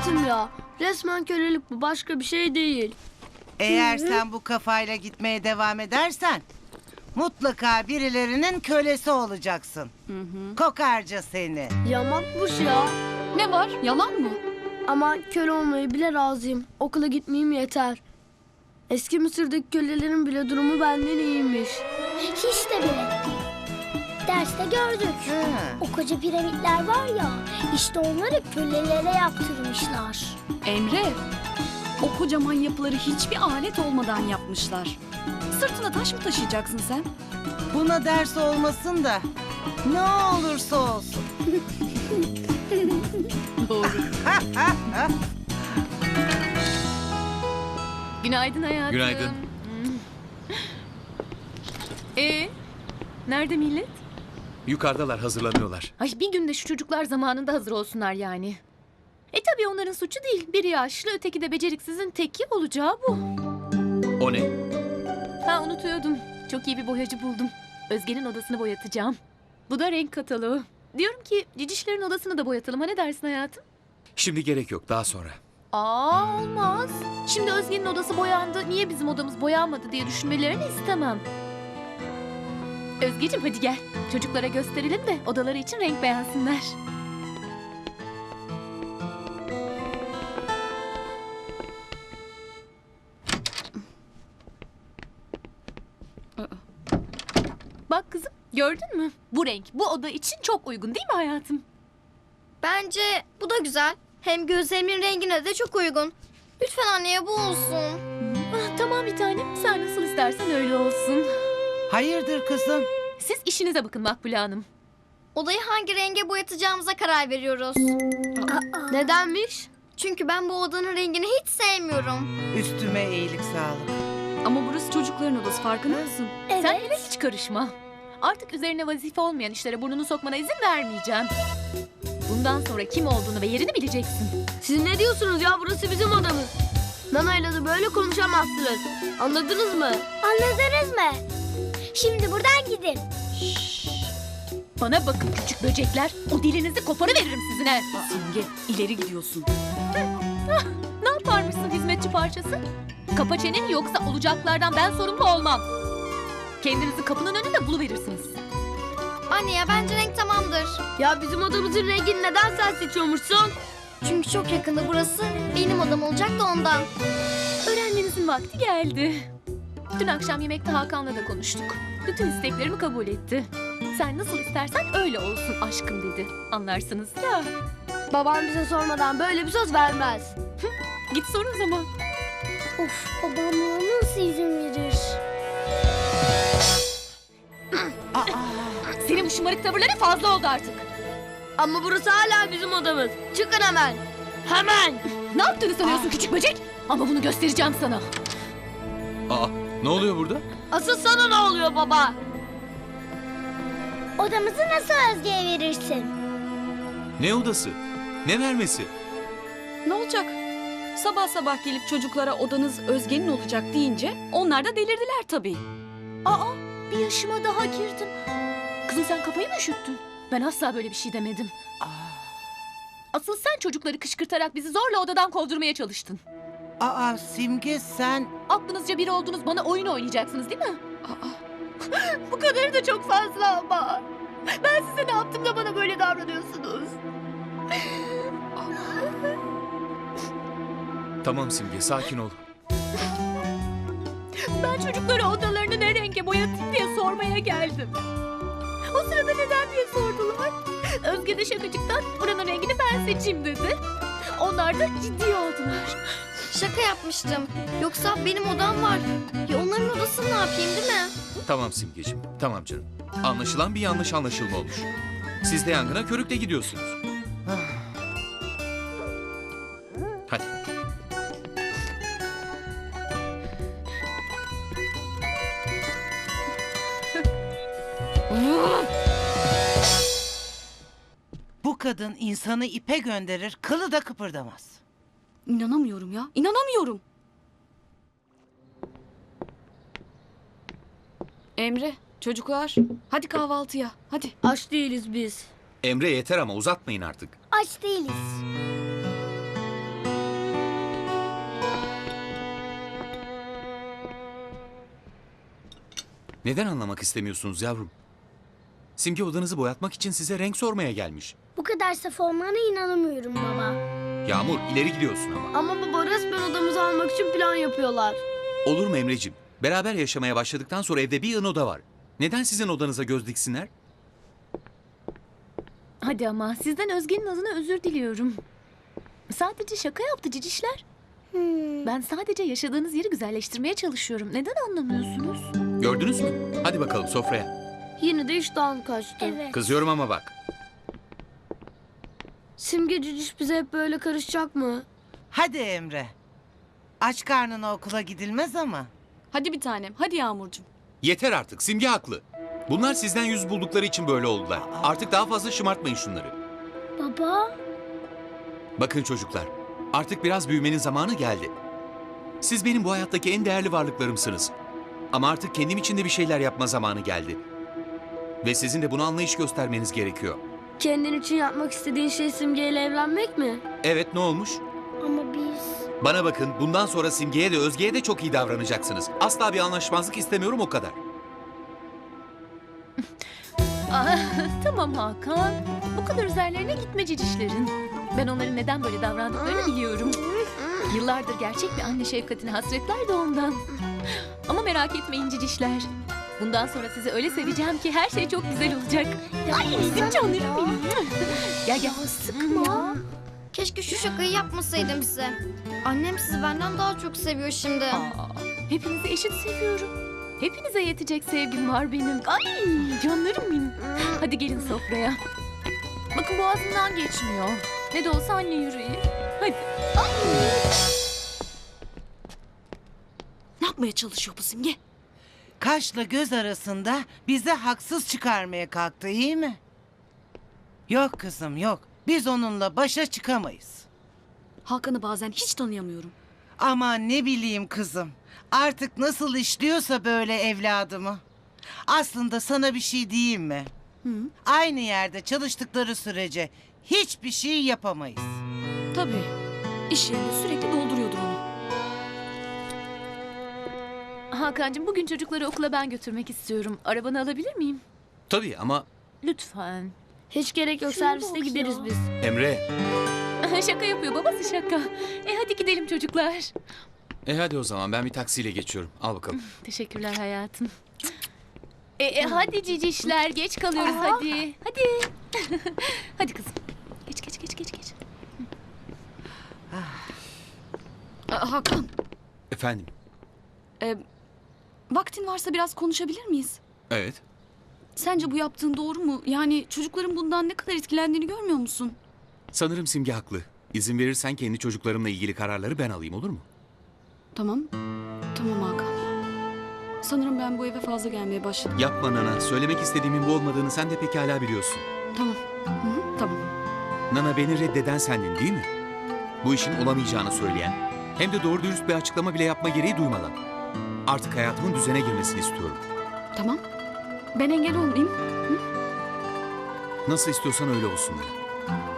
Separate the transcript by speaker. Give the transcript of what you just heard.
Speaker 1: hayatım ya. Resmen kölelik bu, başka bir şey değil.
Speaker 2: Eğer sen bu kafayla gitmeye devam edersen mutlaka birilerinin kölesi olacaksın. Kokarca seni.
Speaker 1: Yamakmış ya.
Speaker 3: Ne var? Yalan mı?
Speaker 1: Ama köle olmayı bile razıyım. Okula gitmeyeyim yeter. Eski Mısır'daki kölelerin bile durumu benden iyiymiş.
Speaker 4: Hiç de bile. Derste gördük.
Speaker 2: Ha.
Speaker 4: O koca piramitler var ya, işte onları kölelere yaptırmışlar.
Speaker 3: Emre, o kocaman yapıları hiçbir alet olmadan yapmışlar. Sırtına taş mı taşıyacaksın sen?
Speaker 2: Buna ders olmasın da ne olursa olsun.
Speaker 3: Doğru. Günaydın hayatım.
Speaker 5: Günaydın.
Speaker 3: Nerede millet?
Speaker 5: Yukarıdalar, hazırlanıyorlar.
Speaker 3: Ay bir günde şu çocuklar zamanında hazır olsunlar yani. Tabii onların suçu değil. Biri yaşlı, öteki de beceriksizin teki, olacağı bu.
Speaker 5: O ne?
Speaker 3: Ha, unutuyordum. Çok iyi bir boyacı buldum. Özge'nin odasını boyatacağım. Bu da renk kataloğu. Diyorum ki cicişlerin odasını da boyatalım. Ha, ne dersin hayatım?
Speaker 5: Şimdi gerek yok, daha sonra.
Speaker 3: Olmaz. Şimdi Özge'nin odası boyandı. Niye bizim odamız boyanmadı diye düşünmelerini istemem. Özgeciğim hadi gel. Çocuklara gösterelim de odaları için renk beğensinler. Bak kızım, gördün mü? Bu renk bu oda için çok uygun değil mi hayatım?
Speaker 6: Bence bu da güzel. Hem gözlerimin rengine de çok uygun. Lütfen anneye bu olsun.
Speaker 3: Tamam bir tanem. Sen nasıl istersen öyle olsun.
Speaker 2: Hayırdır kızım?
Speaker 3: Siz işinize bakın Makbule Hanım.
Speaker 6: Odayı hangi renge boyatacağımıza karar veriyoruz.
Speaker 1: Nedenmiş?
Speaker 6: Çünkü ben bu odanın rengini hiç sevmiyorum.
Speaker 2: Üstüme iyilik sağlık.
Speaker 3: Ama burası çocukların odası, farkında mısın?
Speaker 4: Evet.
Speaker 3: Sen yine hiç karışma. Artık üzerine vazife olmayan işlere burnunu sokmana izin vermeyeceğim. Bundan sonra kim olduğunu ve yerini bileceksin.
Speaker 1: Siz ne diyorsunuz ya? Burası bizim odamız. Nana'yla da böyle konuşamazsınız. Anladınız mı?
Speaker 4: Anladınız mı? Şimdi buradan gidin.
Speaker 3: Bana bakın küçük böcekler. O dilinizi koparıveririm sizin he. Simge, ileri gidiyorsun. Ne yaparmışsın hizmetçi parçası? Kapa çeneni, yoksa olacaklardan ben sorumlu olmam. Kendinizi kapının önünde buluverirsiniz.
Speaker 6: Anne ya, bence renk tamamdır.
Speaker 1: Ya bizim odamızın rengini neden sen seçiyormuşsun?
Speaker 6: Çünkü çok yakında burası benim odam olacak da ondan.
Speaker 3: Öğrenmenizin vakti geldi. Dün akşam yemekte Hakan'la da konuştuk. Bütün isteklerimi kabul etti. Sen nasıl istersen öyle olsun aşkım dedi. Anlarsınız ya.
Speaker 1: Babam bize sormadan böyle bir söz vermez.
Speaker 3: Git sor o zaman.
Speaker 4: Of, babam buna nasıl izin verir?
Speaker 3: Senin bu şımarık tavırların fazla oldu artık.
Speaker 1: Ama burası hala bizim odamız. Çıkın hemen. Hemen.
Speaker 3: Ne yaptığını sanıyorsun küçük böcek? Ama bunu göstereceğim sana.
Speaker 5: Aa, ne oluyor burada?
Speaker 1: Asıl sana ne oluyor baba?
Speaker 4: Odamızı nasıl Özge'ye verirsin?
Speaker 5: Ne odası? Ne vermesi?
Speaker 7: Ne olacak? Sabah sabah gelip çocuklara odanız Özge'nin olacak deyince onlar da delirdiler tabii.
Speaker 3: Aa, bir yaşıma daha girdim. Kızım sen kafayı mı üşüttün? Ben asla böyle bir şey demedim. Asıl sen çocukları kışkırtarak bizi zorla odadan kovdurmaya çalıştın.
Speaker 2: Aa Simge sen...
Speaker 3: Aklınızca biri oldunuz, bana oyun oynayacaksınız değil mi? Bu kadarı da çok fazla ama. Ben size ne yaptım da bana böyle davranıyorsunuz?
Speaker 5: Tamam Simge, sakin ol.
Speaker 3: Ben çocuklara odalarını ne renge boyatayım diye sormaya geldim. O sırada neden diye sordular. Özge de şakacıktan buranın rengini ben seçeyim dedi. Onlar da ciddi oldular.
Speaker 6: Şaka yapmıştım. Yoksa benim odam var. Ya onların odasını ne yapayım, değil mi?
Speaker 5: Tamam Simgeciğim, tamam canım. Anlaşılan bir yanlış anlaşılma olmuş. Siz de yangına körükle gidiyorsunuz. Hadi.
Speaker 2: Bu kadın insanı ipe gönderir, kılı da kıpırdamaz.
Speaker 7: İnanamıyorum ya, inanamıyorum. Emre, çocuklar hadi kahvaltıya, hadi.
Speaker 1: Aç değiliz biz.
Speaker 5: Emre yeter ama uzatmayın artık.
Speaker 4: Aç değiliz.
Speaker 5: Neden anlamak istemiyorsunuz yavrum? Simge odanızı boyatmak için size renk sormaya gelmiş.
Speaker 4: Bu kadar saf olmana inanamıyorum baba.
Speaker 5: Yağmur ileri gidiyorsun ama.
Speaker 1: Ama baba resmen odamızı almak için plan yapıyorlar.
Speaker 5: Olur mu Emreciğim? Beraber yaşamaya başladıktan sonra evde bir yığın oda var. Neden sizin odanıza göz diksinler?
Speaker 3: Hadi ama sizden Özge'nin adına özür diliyorum. Sadece şaka yaptı cicişler. Ben sadece yaşadığınız yeri güzelleştirmeye çalışıyorum. Neden anlamıyorsunuz?
Speaker 5: Gördünüz mü? Hadi bakalım sofraya.
Speaker 1: Yine de iştahım kaçtı.
Speaker 4: Evet.
Speaker 5: Kızıyorum ama bak.
Speaker 1: Simge Cüciş bize hep böyle karışacak mı?
Speaker 2: Hadi Emre. Aç karnına okula gidilmez ama.
Speaker 7: Hadi bir tanem. Hadi Yağmurcuğum.
Speaker 5: Yeter artık. Simge haklı. Bunlar sizden yüz buldukları için böyle oldular. Artık daha fazla şımartmayın şunları.
Speaker 4: Baba.
Speaker 5: Bakın çocuklar. Artık biraz büyümenin zamanı geldi. Siz benim bu hayattaki en değerli varlıklarımsınız. Ama artık kendim için de bir şeyler yapma zamanı geldi. Ve sizin de buna anlayış göstermeniz gerekiyor.
Speaker 1: Kendin için yapmak istediğin şey Simge ile evlenmek mi?
Speaker 5: Evet, ne olmuş?
Speaker 4: Ama biz...
Speaker 5: Bana bakın, bundan sonra Simge'ye de Özge'ye de çok iyi davranacaksınız. Asla bir anlaşmazlık istemiyorum, o kadar.
Speaker 3: Tamam Hakan. Bu kadar üzerlerine gitme cicişlerin. Ben onların neden böyle davrandıklarını biliyorum. Yıllardır gerçek bir anne şefkatine hasretler de ondan. Ama merak etmeyin cicişler. Bundan sonra sizi öyle seveceğim ki her şey çok güzel olacak. Ay benim canlarım benim. Gel gel.
Speaker 6: Sıkma. Keşke şu şakayı yapmasaydım size. Annem sizi benden daha çok seviyor şimdi.
Speaker 3: Hepinizi eşit seviyorum. Hepinize yetecek sevgim var benim. Ay canlarım benim. Hadi gelin sofraya. Bakın boğazımdan geçmiyor. Ne de olsa anne yüreği. Hadi.
Speaker 7: Ne yapmaya çalışıyor bu Simge?
Speaker 2: Kaşla göz arasında bize haksız çıkarmaya kalktı, iyi mi? Yok kızım yok. Biz onunla başa çıkamayız.
Speaker 7: Hakan'ı bazen hiç tanıyamıyorum.
Speaker 2: Ama ne bileyim kızım. Artık nasıl işliyorsa böyle evladımı. Aslında sana bir şey diyeyim mi? Aynı yerde çalıştıkları sürece hiçbir şey yapamayız.
Speaker 7: Tabii. İş yerinde sürekli dolduruyordur onu.
Speaker 3: Hakan'cığım bugün çocukları okula ben götürmek istiyorum. Arabanı alabilir miyim?
Speaker 5: Tabii ama
Speaker 3: Lütfen.
Speaker 1: Hiç gerek yok,
Speaker 3: Şuna
Speaker 1: serviste
Speaker 3: bak
Speaker 1: gideriz
Speaker 3: ya.
Speaker 1: biz.
Speaker 5: Emre.
Speaker 3: Şaka yapıyor babası şaka. Hadi gidelim çocuklar.
Speaker 5: Hadi o zaman ben bir taksiyle geçiyorum. Al bakalım.
Speaker 3: Teşekkürler hayatım. Hadi cicişler geç kalıyoruz hadi. Hadi. Hadi kızım. Geç.
Speaker 7: Hakan,
Speaker 5: Efendim?
Speaker 7: vaktin varsa biraz konuşabilir miyiz?
Speaker 5: Evet.
Speaker 7: Sence bu yaptığın doğru mu? Yani çocukların bundan ne kadar etkilendiğini görmüyor musun?
Speaker 5: Sanırım Simge haklı. İzin verirsen kendi çocuklarımla ilgili kararları ben alayım, olur mu?
Speaker 7: Tamam. Tamam Hakan. Sanırım ben bu eve fazla gelmeye başladım.
Speaker 5: Yapma Nana. Söylemek istediğimin bu olmadığını sen de pekala biliyorsun.
Speaker 7: Tamam. Tamam.
Speaker 5: Nana, beni reddeden sendin değil mi? Bu işin olamayacağını söyleyen, hem de doğru dürüst bir açıklama bile yapma gereği duymadan. Artık hayatımın düzene girmesini istiyorum.
Speaker 7: Tamam. Ben engel olmayayım.
Speaker 5: Nasıl istiyorsan öyle olsun Nana.